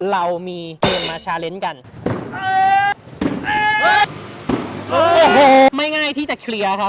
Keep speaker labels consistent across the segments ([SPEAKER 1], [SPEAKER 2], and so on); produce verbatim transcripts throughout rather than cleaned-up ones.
[SPEAKER 1] เรามีเกมมาชาเลนจ์กันโอ้โหไม่ง่ายที่จะเคลียร์ครับ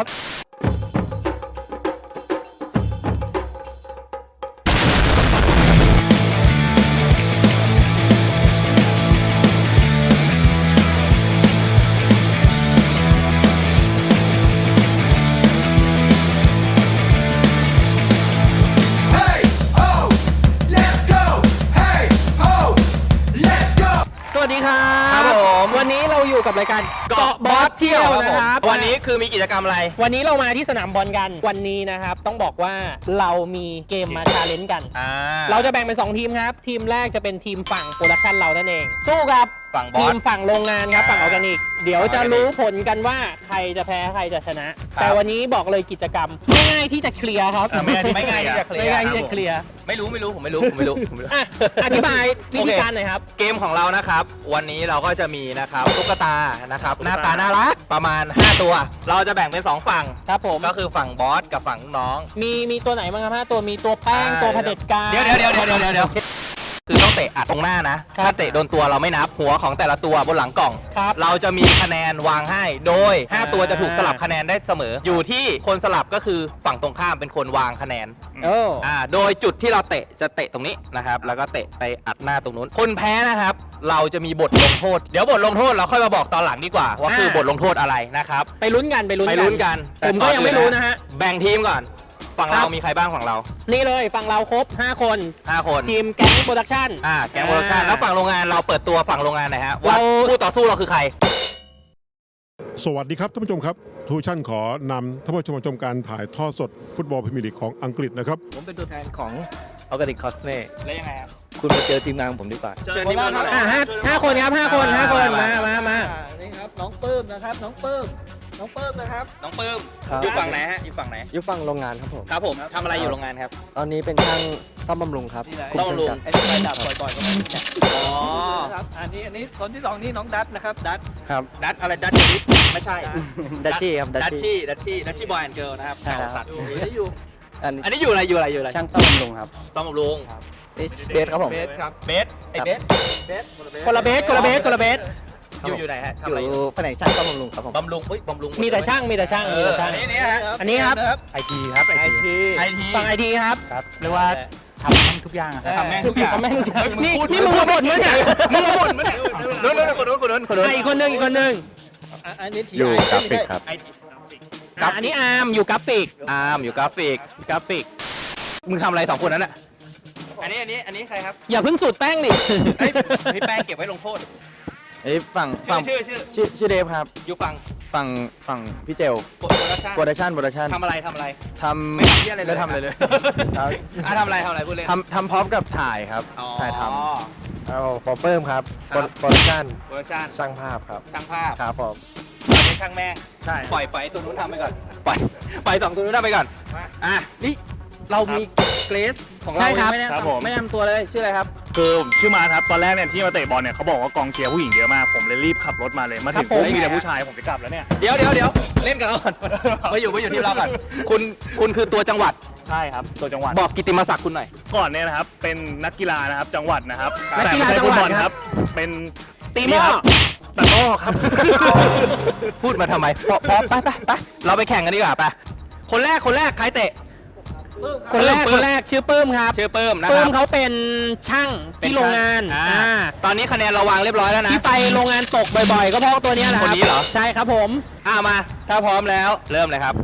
[SPEAKER 1] สวัสดีครับครับผมวันนี้เราอยู่กับรายการเกาะบอสเที่ยวนะครับ
[SPEAKER 2] วันนี้คือมีกิจกรรมอะไร
[SPEAKER 1] วันนี้เรามาที่สนามบอลกันวันนี้นะครับต้องบอกว่าเรามีเกมมาชาเลนจ์กันเราจะแบ่งเป็นสองทีมครับทีมแรกจะเป็นทีมฝั่งโปรดักชันเรานั่นเองสู้กับทีมฝั่งโรงงานครับฝั่งออร์แกนิกเดี๋ยวจะรู้ผลกันว่าใครจะแพ้ใครจะชนะแต่วันนี้บอกเลยกิจกรรมไม่ง่ายที่จะเคลียร์ครับ
[SPEAKER 2] ไม่ง่ายที่จะเคลียร์
[SPEAKER 1] ไม่ง่ายที่จะเคลียร์
[SPEAKER 2] ไม่รู้ไม่รู้ผมไม่รู้ผมไม่รู้ผมไม่รู้
[SPEAKER 1] อธิบายวิธีการหน่อยครับ
[SPEAKER 2] เกมของเรานะครับวันนี้เราก็จะมีนะครับตุ๊กตานะครับหน้าตาน่ารักประมาณห้าตัวเราจะแบ่งเป็นสองฝั่ง
[SPEAKER 1] ครับผม
[SPEAKER 2] ก็คือฝั่งบอสกับฝั่งน้อง
[SPEAKER 1] มีมีตัวไหนบ้างครับห้าตัวมีตัวแป้งตัวเผด็จการ
[SPEAKER 2] เดี๋ยวเดี๋ยวเดี๋ยวเดี๋ยวเดี๋ยวเดี๋ยวคือต้องเตะอัดตรงหน้านะถ้าเตะโดนตัวเราไม่นับหัวของแต่ละตัวบนหลังกล่องเราจะมีคะแนนวางให้โดยห้าตัวจะถูกสลับคะแนนได้เสมออยู่ที่คนสลับก็คือฝั่งตรงข้ามเป็นคนวางคะแนนอ่าโดยจุดที่เราเตะจะเตะตรงนี้นะครับแล้วก็เตะไปอัดหน้าตรงนู้นคนแพ้นะครับเราจะมีบทลงโทษเดี๋ยวบทลงโทษเราค่อยมาบอกตอนหลังดีกว่าว่าคือบทลงโทษอะไรนะครับ
[SPEAKER 1] ไปลุ้นกันไปลุ้น
[SPEAKER 2] ไปลุ้นกัน
[SPEAKER 1] ผมก็ยังไม่รู้นะฮะ
[SPEAKER 2] แบ่งทีมก่อนฝั่งเรามีใครบ้างฝั่งเรา
[SPEAKER 1] นี่เลยฝั่งเราครบห้าคน
[SPEAKER 2] ห้าคน
[SPEAKER 1] ทีมแก๊งโปรดักชั่น
[SPEAKER 2] อ่าแก๊งโปรดักชั่นแล้วฝั่งโรงงานเราเปิดตัวฝั่งโรงงานหน่อยฮะว่าคู่ต่อสู้เราคือใคร
[SPEAKER 3] สวัสดีครับท่านผู้ชมครับทูชั่นขอนำท่านผู้ชมชมการถ่ายทอดสดฟุตบอลพรีเมียร์ลีกของอังกฤษนะครับ
[SPEAKER 4] ผมเป็นตัวแทนของออร์แกนิกคอสเน่
[SPEAKER 2] แล้วยังไงครับ
[SPEAKER 4] คุณมาเจอทีมงานของผมดีกว่า
[SPEAKER 2] เจอทีมงาน
[SPEAKER 1] อ่าห้าห้าคนครับห้าคนห้าคนมามามา
[SPEAKER 4] นี่ครับน้องปื้มนะครับน้องปื้มน้องปื้มนะครับ
[SPEAKER 2] น้องปื้มอยู่ฝั่งไหนฮะอยู่ฝั่งไหน
[SPEAKER 4] อยู่ฝั่งโรงงานครับผม
[SPEAKER 2] ครับผมทำอะไรอยู่โรงงานครับ
[SPEAKER 4] ตอนนี้เป็นช่างซ่อมบำรุงครับ
[SPEAKER 2] ซ่อมบำรุง
[SPEAKER 4] ไอ้ที่ไปดับบ่อยๆก็ไม่
[SPEAKER 2] อ๋อ
[SPEAKER 4] ครับอันนี้อันนี้คนที่สองนี่น้องดัตนะครับดัต
[SPEAKER 2] ครับดัตอะไรดัตชีไม่ใช่
[SPEAKER 4] ดัตชี่ครับ
[SPEAKER 2] ดัตชี่ดัตชี่ดัตชี่บอยแอนด์เกิร์ลนะครับแถวสัตว์
[SPEAKER 4] อันนี้อยู่
[SPEAKER 2] อันนี้อยู่อะไรอยู่อะไรอยู่อะไร
[SPEAKER 4] ช่างซ่อมบำรุงครับ
[SPEAKER 2] ซ่อมบำรุง
[SPEAKER 4] นี่เบสครับผม
[SPEAKER 2] เบสครับเบสไอเบส
[SPEAKER 1] เบสคนละเบสคนละเบสคนละเบส
[SPEAKER 2] อยู่อยู่ไหนฮะ
[SPEAKER 4] อยู่แผนกช่างซ่อมบำรุงครับผม
[SPEAKER 2] บำรุงเฮ้ยบำรุง
[SPEAKER 1] มีแต่ช่างมีแต่ช่างมีแต่ช่าง
[SPEAKER 2] อันนี้ฮะ
[SPEAKER 1] อันนี้ครับ
[SPEAKER 2] ไอทีครับไอทีไอที
[SPEAKER 1] ฝั่งไอทีครับ
[SPEAKER 2] เรียกว่าทำแม่งทุกอย่างทำแม่งทุกอย่าง
[SPEAKER 1] ทำแม่งทุกอย่างนี่นี่มึงมาบ่นมั้ยเนี่ย
[SPEAKER 2] มึงมาบ่นมั้ยเนี่ยนู้นนู้นคนนู้นคนนู้นคนนู้น
[SPEAKER 1] อีกคนนึงอีกคนนึง
[SPEAKER 4] อันนี้
[SPEAKER 3] อยู่กราฟิกครับ
[SPEAKER 1] อันนี้อาร์มอยู่กราฟิก
[SPEAKER 2] อาร์มอยู่กราฟิก
[SPEAKER 1] กราฟิก
[SPEAKER 2] มึงทำอะไรสองคนนั้นอ่ะอันนี้อันนี้อันนี้ใครครับ
[SPEAKER 1] อย่าเพิ่งสูดแป้งดิ
[SPEAKER 2] พี่แป้งเก็บไว้ลงโทษ
[SPEAKER 4] ไอ้ฝั่งฝั่ง
[SPEAKER 2] ชื่อชื่อ
[SPEAKER 4] ชื่อชื่อเดฟครับ
[SPEAKER 2] อยู่ฝั่ง
[SPEAKER 4] ฝั่งฝั่งพี่เจลโปรดักชั่นโปรดักชั่น
[SPEAKER 2] ทำอะไรทำอะไร
[SPEAKER 4] ทำ
[SPEAKER 2] ไม่ทำที่อะไรเลย
[SPEAKER 4] ไม่ทำอะไรเลย
[SPEAKER 2] อ่ะทำอะไรทำอะไรพูดเลย
[SPEAKER 4] ทำทำพร้อมกับถ่ายครับถ่ายทำเอาฟอร์เปิมครับโปรดักชั่น
[SPEAKER 2] โปรดักชั่น
[SPEAKER 4] ช่างภาพครับ
[SPEAKER 2] ช่างภาพ
[SPEAKER 4] ครับผม
[SPEAKER 2] ไม่ช่างแม่ง
[SPEAKER 4] ใช่
[SPEAKER 2] ปล่อยไปตัวนู้นทำไปก่อนปล่อยปล่อยสองตัวนู้นทำไปก่อนอ่ะนี่เรามีเกรซของเราไม่แนะนำไม่แนะนำตัวเลยชื่ออะไรครับ
[SPEAKER 5] คือผมชื่อมาครับตอนแรกเนี่ยที่มาเตะบอลเนี่ยเขาบอกว่ากองเชียร์ผู้หญิงเยอะมากผมเลยรีบขับรถมาเลยมาถึงปุ๊บมีแต่ผู้ชายผมจะกลับแล้วเนี่ย
[SPEAKER 2] เดี๋ยวเดี๋ยวเดี๋ยวเล่นกันก่อนมาอยู่มาอยู่ที่เราก่อนคุณคุณคือตัวจังหวัด
[SPEAKER 5] ใช่ครับตัวจังหวัด
[SPEAKER 2] บอกกิตติมศักดิ์คุณหน่อย
[SPEAKER 5] ก่อนเนี่ยนะครับเป็นนักกีฬานะครับจังหวัดนะครับ
[SPEAKER 1] นักกีฬาจังหวัดครับ
[SPEAKER 5] เป็น
[SPEAKER 1] ตีหม้อ
[SPEAKER 5] ตะก้อครับ
[SPEAKER 2] พูดมาทำไมพอพอไปไปไปเราไปแข่งกันดีกว่าไปคนแรกคนแรกใครเตะ
[SPEAKER 1] คนแรกคนแรกชื่อปื้มครับ
[SPEAKER 2] ชื่อปื้มนะครับ
[SPEAKER 1] ปื้มเขาเป็นช่างที่โรงงาน
[SPEAKER 2] อ่าตอนนี้คะแนนเราวางเรียบร้อยแล้วนะ
[SPEAKER 1] ที่ไปโรงงานตกบ่อยๆก็เพราะตัวนี้แหละครับ
[SPEAKER 2] คนนี้เหรอ
[SPEAKER 1] ใช่ครับผม
[SPEAKER 2] อ่ามาถ้าพร้อมแล้วเริ่มเลยครับ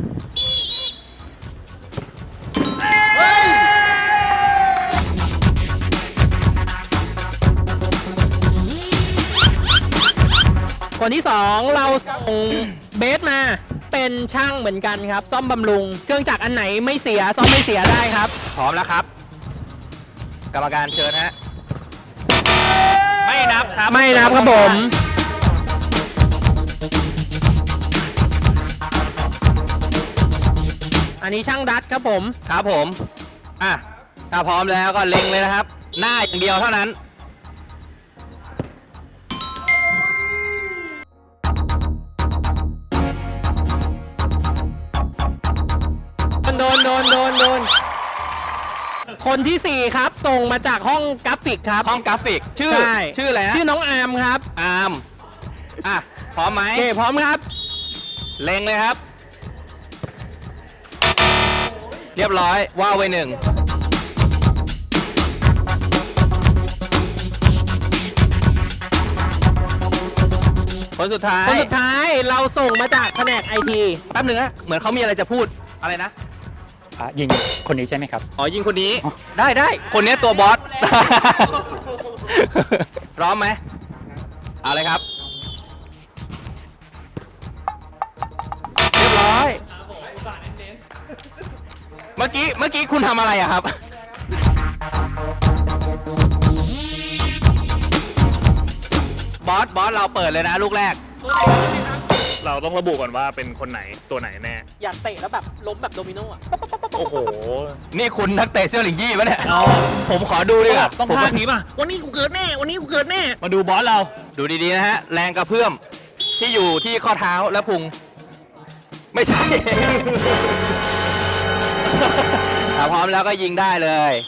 [SPEAKER 1] คนที่สองเราส่งเบสมาเป็นช่างเหมือนกันครับซ่อมบำรุงเครื่องจักรอันไหนไม่เสียซ่อมไม่เสียได้ครับ
[SPEAKER 2] พร้อมแล้วครับกรรมการเชิญฮะไม่นับครับ
[SPEAKER 1] ไม่นับครับผมอันนี้ช่างดัตครับผม
[SPEAKER 2] ครับผมอ่ะถ้าพร้อมแล้วก็เล็งเลยนะครับหน้าอย่างเดียวเท่านั้น
[SPEAKER 1] โดนโดนโดนโดนคนที่สี่ครับ ส่งมาจากห้องกราฟิกครับ
[SPEAKER 2] ห้องกราฟิก ชื่อ
[SPEAKER 1] ใช่
[SPEAKER 2] ชื่ออะไรฮะ
[SPEAKER 1] ชื่อน้องอาร์มครับ
[SPEAKER 2] อาร์มอ่ะ พร้อมไหม
[SPEAKER 1] โอเคพร้อมครับ
[SPEAKER 2] เล็งเลยครับ เรียบร้อยว่าวไว้หนึ่งคนสุดท้าย
[SPEAKER 1] คนสุดท้ายเราส่งมาจากแผนกไอที
[SPEAKER 2] แป๊บหนึงนะเหมือนเขามีอะไรจะพูดอะไรนะ
[SPEAKER 5] อ่ะยิงคนนี้ใช่ไหมครับ
[SPEAKER 2] อ๋อยิงคนนี้ ได้ได้คนนี้ตัวบอส พร้อมไหมเอาเลยครับ เรียบร้อย เมื่อกี้เมื่อกี้คุณทำอะไรอะครับ บอสบอสเราเปิดเลยนะลูกแรก
[SPEAKER 5] เราต้องระบุก่อนว่าเป็นคนไหนตัวไหนแน่
[SPEAKER 1] อยากเตะแล้วแบบล้มแบบโดมิโนอ่ะ
[SPEAKER 5] โอ้โห
[SPEAKER 2] นี่คุณนักเตะเซี่ยวหลิงยี่ปะเนี่ยผมขอดูดิครับ
[SPEAKER 5] ต้องพลาดนี้ป่ะ วันนี้กูเกิดแน่ วันนี้กูเกิดแน่ มาดูบอสเรา
[SPEAKER 2] ดูดีๆนะฮะ แรงกระเพื่อมที่อยู่ที่ข้อเท้าและพุง ไม่ใช่ ถ้าพร้อมแล้วก็ยิงได้เลย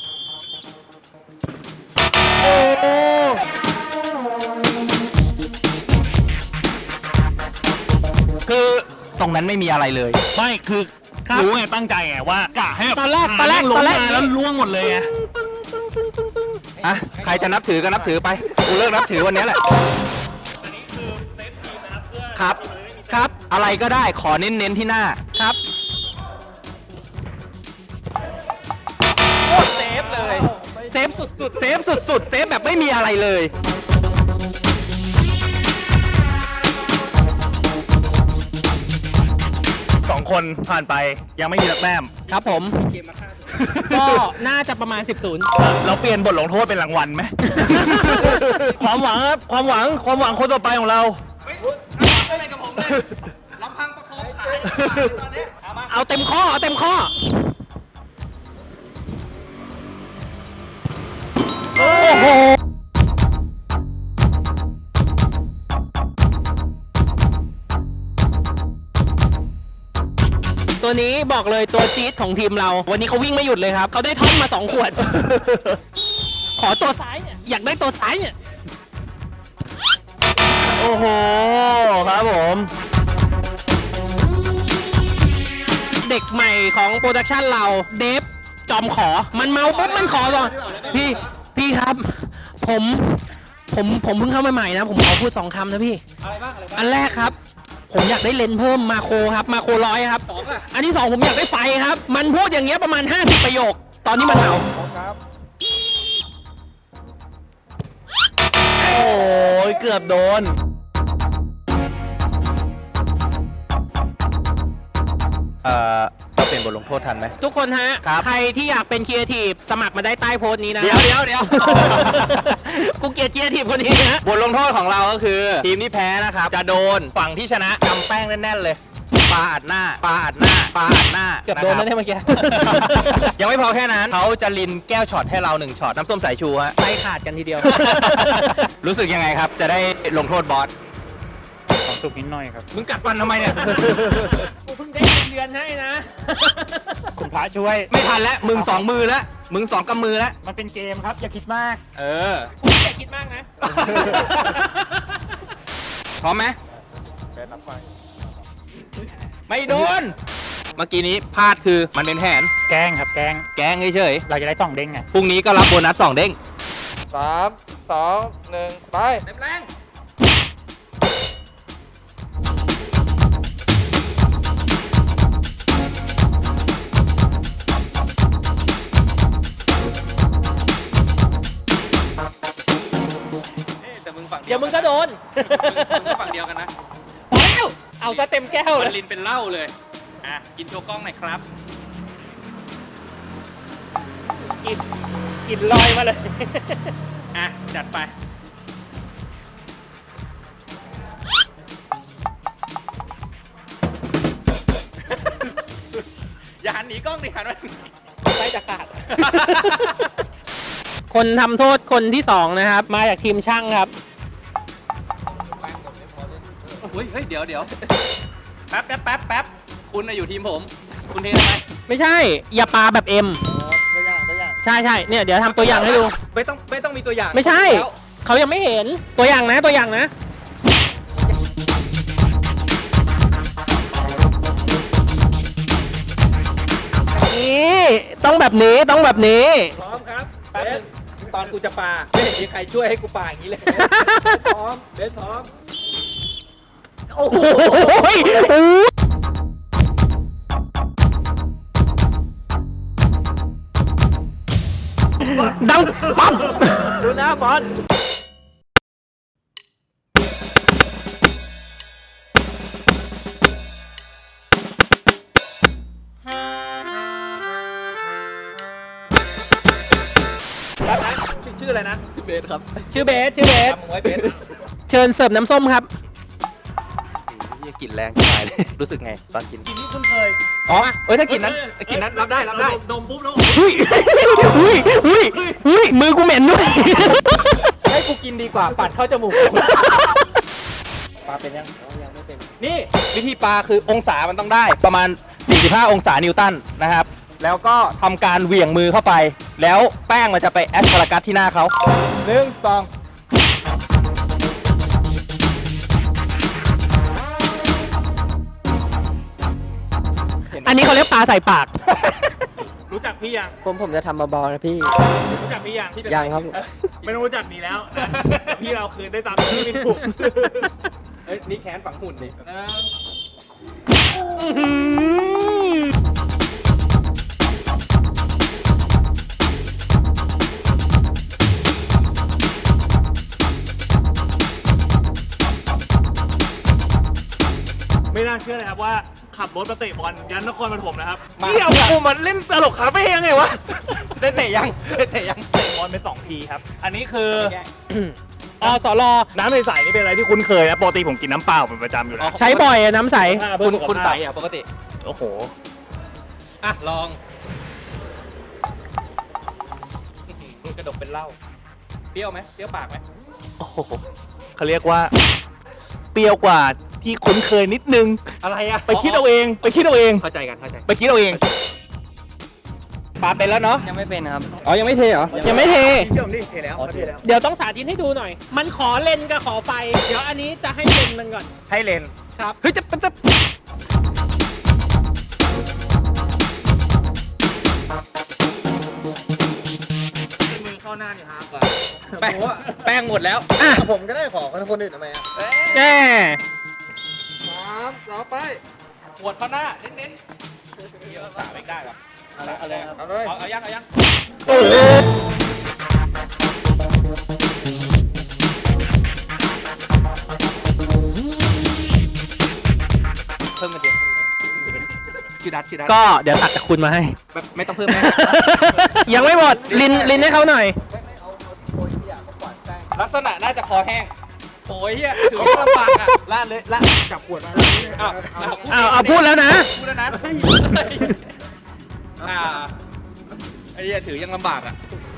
[SPEAKER 2] โอ้คือตรงนั้นไม่มีอะไรเลย
[SPEAKER 5] ไม่คือรู้ไงตั้งใจไงว่ากะให้แบบ
[SPEAKER 1] ตอนแรกตอนแรก
[SPEAKER 5] ล
[SPEAKER 1] ตอง นแรก
[SPEAKER 5] มาแล้วล่วงหมดเลยไง
[SPEAKER 2] อ่ะ ใครจะนับถือก็นับถือไป กูเลิกนับถือวันนี้แหละ ครับ ครับ อะไรก็ได้ ขอเน้นๆที่หน้า ครับ โอ้เซฟเลย เซฟสุดๆ เซฟสุดๆ เซฟแบบไม่มีอะไรเลย
[SPEAKER 5] สองคนผ่านไปยังไม่มีสักแต้ม
[SPEAKER 1] ครับผม ก็น่าจะประมาณ สิบศูนย์
[SPEAKER 5] เราเปลี่ยนบทลงโทษเป็นรางวัลไหม ความหวังครับ ความหวัง ความหวังคนต่อไปของเรา
[SPEAKER 1] เอาเต็มข้อ เอาเต็มข้อ โอ้โห ตัวนี้บอกเลยตัวจี๊ดของทีมเรา วันนี้เขาวิ่งไม่หยุดเลยครับ เขาได้ท่อมมาสองขวด ขอตัวซ้ายเนี่ย อยากได้ตัวซ้ายเนี่ย
[SPEAKER 2] โอ้โห ครับผม
[SPEAKER 1] เด็กใหม่ของโปรดักชันเราเดฟจอมขอ มันเมาปุ๊บมันขอก่อนพี่พี่ครับ ผมผมผมเพิ่งเข้ามาใหม่นะ ผมขอพูดสองคำนะพี่อะไรบ้างอะไรบ้างอันแรกครับ ผมอยากได้เลนส์เพิ่มมาโครครับมาโครร้อยครับอันที่สองผมอยากได้ไฟครับ มันพูดอย่างเงี้ยประมาณห้าสิบประโยค ตอนนี้มันเมาครับ
[SPEAKER 2] โอ้ยเกือบโดน เอ่อเราเป็นบทลงโทษทันไหม
[SPEAKER 1] ทุกคนฮะ
[SPEAKER 2] ครับ
[SPEAKER 1] ใครที่อยากเป็นครีเอทีฟสมัครมาได้ใต้โพสต์นี้นะ
[SPEAKER 2] เดี๋ยวเดี๋ยวเดี๋ยว
[SPEAKER 1] กูเกลียดครีเอทีฟคนนี้นะ
[SPEAKER 2] บทลงโทษของเราก็คือ ทีมที่แพ้นะครับ จะโดนฝั่งที่ชนะกำแป้งแน่นๆเลยปาอัดหน้าปาอัดหน้าปาอัดหน้า
[SPEAKER 1] เกือบโดนแล้วเนี่ยเมื่อกี้
[SPEAKER 2] ยังไม่พอแค่นั้นเขาจะลินแก้วช็อตให้เราหนึ่งช็อตน้ำส้มสายชูฮะ
[SPEAKER 1] ไฟขาดกันทีเดียว
[SPEAKER 2] รู้สึกยังไงครับ จะได้ลงโทษบอส
[SPEAKER 5] ของสุกนิดหน่อยครับ
[SPEAKER 2] มึงกัดฟันทำไมเนี่ย
[SPEAKER 1] กูเพิ่งได้เงินเดือนให้นะ
[SPEAKER 5] คุณพระช่วย
[SPEAKER 2] ไม่ทันแล้ว มึงสองมือแล้ว มึงสองกำมือแล้ว
[SPEAKER 5] มันเป็นเกมครับ อย่าคิดมาก
[SPEAKER 2] เออ
[SPEAKER 1] คุณอย่าคิดมากนะ
[SPEAKER 2] พร้อมไหมไม่โดน เมื่อกี้นี้พลาดคือมันเป็นแผน
[SPEAKER 5] แกล้งครับ แกล้ง
[SPEAKER 2] แกล้งเฉย
[SPEAKER 5] เราจะได้ต้องเด้งไง
[SPEAKER 2] ๆพรุ่งนี้ก็รับโบนัสสองเด้ง
[SPEAKER 4] สามสองหนึ่งไป
[SPEAKER 2] แรง แต่มึงฝั่ง
[SPEAKER 1] เดี๋ยวมึงก็โดน
[SPEAKER 2] ฝั่งเดียวกันนะ
[SPEAKER 1] พอแล้ว เอาซะเต็มแก้ว
[SPEAKER 2] มั
[SPEAKER 1] เล
[SPEAKER 2] น
[SPEAKER 1] ย
[SPEAKER 2] ลินเป็นเหล้าเลย อ่ะ กินโชว์กล้องหน่อยครับ
[SPEAKER 1] กิน กินลอยมาเลย
[SPEAKER 2] อ่ะ จัดไป อย่าหันหนีกล้องดิหันมา
[SPEAKER 1] ไส้จะขาด คนทำโทษคนที่สองนะครับ มาจากทีมช่างครับ
[SPEAKER 2] เฮ้ยเฮ้ย เดี๋ยวเดี๋ยวแป๊บแป๊บแป๊บแป๊บคุณน่ะอยู่ทีมผม คุณเททำไม
[SPEAKER 1] ไม่ใช่ อย่าปาแบบเอ็ม
[SPEAKER 4] ตัวอย่างตัวอย่าง
[SPEAKER 1] ใช่ใช่เนี่ยเดี๋ยวทำตัวอย่างให้ดู
[SPEAKER 2] ไม่ต้องไม่ต้องมีตัวอย่าง
[SPEAKER 1] ไม่ใช่
[SPEAKER 2] แล้ว
[SPEAKER 1] เขายังไม่เห็นตัวอย่างนะตัวอย่างนะนี่ต้องแบบนี้ต้องแบบนี้
[SPEAKER 2] พร้อมครับแป๊บนึงตอนกูจะปาไม่เห็นมีใครช่วยให้กูปาอย่างนี้เลย พร้อมเบสพร้อม
[SPEAKER 1] โอ้โหดังปั๊มดูนะบอล
[SPEAKER 2] ชื่อชื่ออะไรนะเบสครับ
[SPEAKER 1] ชื่อเบสชื่อเบส
[SPEAKER 2] จำมึงไว้เบส
[SPEAKER 1] เชิญเสิร์ฟน้ำส้มครับ
[SPEAKER 2] นี่กลิ่นแรงที่ตายเลย รู้สึกไงตอนกิน
[SPEAKER 5] กินที่คุณเคย
[SPEAKER 2] อ๋อเอ้ยถ้ากลิ่นนั้นกลิ่นนั้นรับได้รับได้
[SPEAKER 5] ดมปุ๊บแล้ว
[SPEAKER 1] หุ้ยหุ้ยหุ้ยหุ้ยมือกูเหม็นด้วย
[SPEAKER 2] ให้กูกินดีกว่าปัดเข้าจมูกปลาเป็นยังยังไม่เป็นนี่วิธีปลาคือองศามันต้องได้ประมาณสี่สิบห้าองศานิวตันนะครับแล้วก็ทำการเหวี่ยงมือเข้าไป แล้วแป้งมันจะไปแอสพารากัสที่หน้าเขาหนึ่งสอง
[SPEAKER 1] อันนี้เขาเรียกปลาใส่ปาก
[SPEAKER 5] รู้จักพี่ยัง
[SPEAKER 4] ผมผมจะทำเบาๆนะพี่
[SPEAKER 5] รู้จักพี่ยัง
[SPEAKER 4] ยังครับ
[SPEAKER 5] ไม่ต้องรู้จักนี่แล้วนะพี่เราคืนได้ตามที่พี่ถูก
[SPEAKER 2] เอ้ยนี่แขนฝังหุ่นดิ
[SPEAKER 5] ไม่น่าเชื่อเลยครับว่าขับรถมาเตะบอลยันนครปฐมนะครับ
[SPEAKER 2] มา
[SPEAKER 5] พี่เอากูมาเล่นตลกคาเฟ่ยังไงวะ
[SPEAKER 2] ได้เตะยังได้เตะยัง
[SPEAKER 5] เตะบอลไปสองทีครับ อันนี้คือ
[SPEAKER 1] อสร
[SPEAKER 5] น้ำใสๆนี่เป็นอะไรที่คุ้นเคยนะปกติผมกินน้ำเปล่าเป็นประจำอยู่แล้ว
[SPEAKER 1] ใช้บ่อยอะน้ำใส
[SPEAKER 2] คุณคุณใส่อะปกติ
[SPEAKER 5] โอ้โห
[SPEAKER 2] อ่ะ ลองกระดกเป็นเหล้าเปรี้ยวไหมเปรี้ยวปากไหม
[SPEAKER 5] โอ้โหเขาเรียกว่า เปรี้ยวกว่าที่คุ้นเคยนิดนึง
[SPEAKER 2] อะไรอะ
[SPEAKER 5] ไปคิดเอาเอง ไปคิดเอาเอง
[SPEAKER 2] เข้าใจกันเข้าใจ
[SPEAKER 5] ไปคิดเอาเอง
[SPEAKER 2] ปลาเป็นแล้วเนาะ
[SPEAKER 4] ยังไม่เป็นครับ
[SPEAKER 2] อ๋อยังไม่เทเหรอ
[SPEAKER 1] ยังไม่เท
[SPEAKER 2] เชื่อมดิเทแล้วเทแล้ว
[SPEAKER 1] เดี๋ยวต้องสาธิตให้ดูหน่อย มันขอเลนกับขอไฟ เดี๋ยวอันนี้จะให้เลนมันก่อน
[SPEAKER 2] ให้เลน
[SPEAKER 1] ครับ
[SPEAKER 2] เฮ้ยจะจะ
[SPEAKER 5] มือเข้าหน้านี่ฮาร์ป
[SPEAKER 2] แป้งแป้งหมดแล้ว
[SPEAKER 1] อ่ะ
[SPEAKER 4] ผมก็ได้ขอคนอื่นทำไมอ่ะ
[SPEAKER 1] แน่
[SPEAKER 2] สามต่อไปหวดเข้าหน้าเน้นๆเดี๋ยวสามไม่ได้หรอเอาเลยเอาเลยเอาเลยเอายังเอายัง
[SPEAKER 1] โอ้โห
[SPEAKER 2] เพิ่มกันเดียวชื่อดัดชื่อดัด
[SPEAKER 1] ก็เดี๋ยวตัดจากคุณมาให้
[SPEAKER 2] แบบไม่ต้องเพิ่มแม่
[SPEAKER 1] ยังไม่หมด ลินลินให้เขาหน่อย
[SPEAKER 2] ลักษณะน่าจะคอแห้งโอ้ยเฮียถือว่าลำบากอ่ะลาดเลยลาดจับขวดมาอ้าว
[SPEAKER 1] อ้าวเอาพูดแล้วนะ
[SPEAKER 2] พูดแล้วนะอ่าไอ้เฮียถือยังลำบากอ่ะ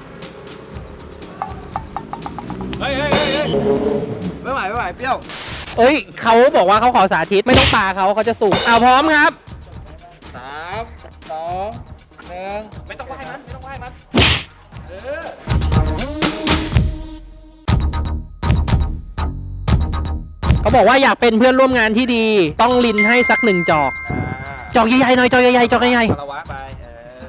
[SPEAKER 2] เฮ้ยเฮ้ยเฮ้ยไม่ไหวไม่ไหวเปรี้ยว
[SPEAKER 1] เอ้ยเขาบอกว่าเขาขอสาธิตไม่ต้องปาเขาเขาจะสุกเอาพร้อมครับ
[SPEAKER 2] สามสองหนึ่งไม่ต้องไหว้มันไม่ต้องไหว้มันเออ
[SPEAKER 1] เขาบอกว่าอยากเป็นเพื่อนร่วมงานที่ดี ต้องลินให้สักหนึ่งจอก จอกใหญ่ๆหน่อยจอกใหญ่ๆจอกใหญ่
[SPEAKER 2] คารวะไปเออ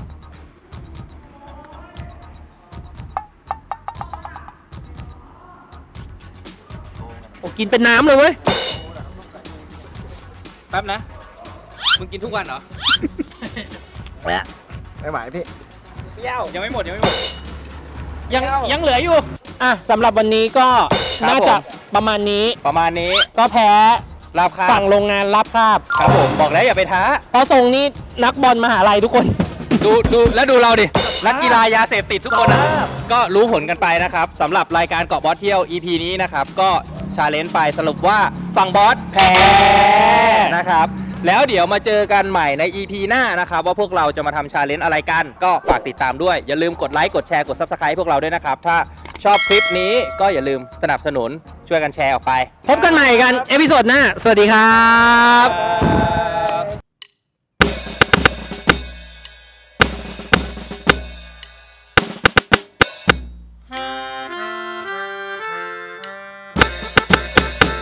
[SPEAKER 1] ๆโอ้กินเป็นน้ำเลยเว้ย
[SPEAKER 2] แป๊บนะมึงกินทุกวันเหรอ
[SPEAKER 4] ไม่ไหวพี่
[SPEAKER 2] เปรี้ยวยังไม่หมดยังไม่หมด
[SPEAKER 1] ยังยังเหลืออยู่ อ่ะสำหรับวันนี้ก็
[SPEAKER 2] ครับ
[SPEAKER 1] น่าจะ
[SPEAKER 2] ผม
[SPEAKER 1] ประมาณนี้
[SPEAKER 2] ประมาณนี้
[SPEAKER 1] ก็แพ้
[SPEAKER 2] ราคา
[SPEAKER 1] ฝั่งโรงงานรับคาบ
[SPEAKER 2] ครับผมบอกแล้วอย่าไปท้า
[SPEAKER 1] เพราะทรงนี้นักบอลมหาลัยทุกคน
[SPEAKER 2] ดูดูแล้วดูเราดินักกีฬายาเสพติดทุกคนนะก็รู้ผลกันไปนะครับสำหรับรายการเกาะบอสเที่ยว อี พี นี้นะครับ ก็ชาเลนจ์ไปสรุปว่าฝั่งบอสแพ้นะครับ แล้วเดี๋ยวมาเจอกันใหม่ใน อี พี หน้านะครับ ว่าพวกเราจะมาทำชาเลนจ์อะไรกัน ก็ฝากติดตามด้วย อย่าลืมกดไลค์กดแชร์กด ซับสไครบ์ พวกเราด้วยนะครับ ถ้าชอบคลิปนี้ก็อย่าลืมสนับสนุนช่วยกันแชร์ออกไป
[SPEAKER 1] พบกันใหม่กัน เอพิโซดหน้า สวัสดีครับ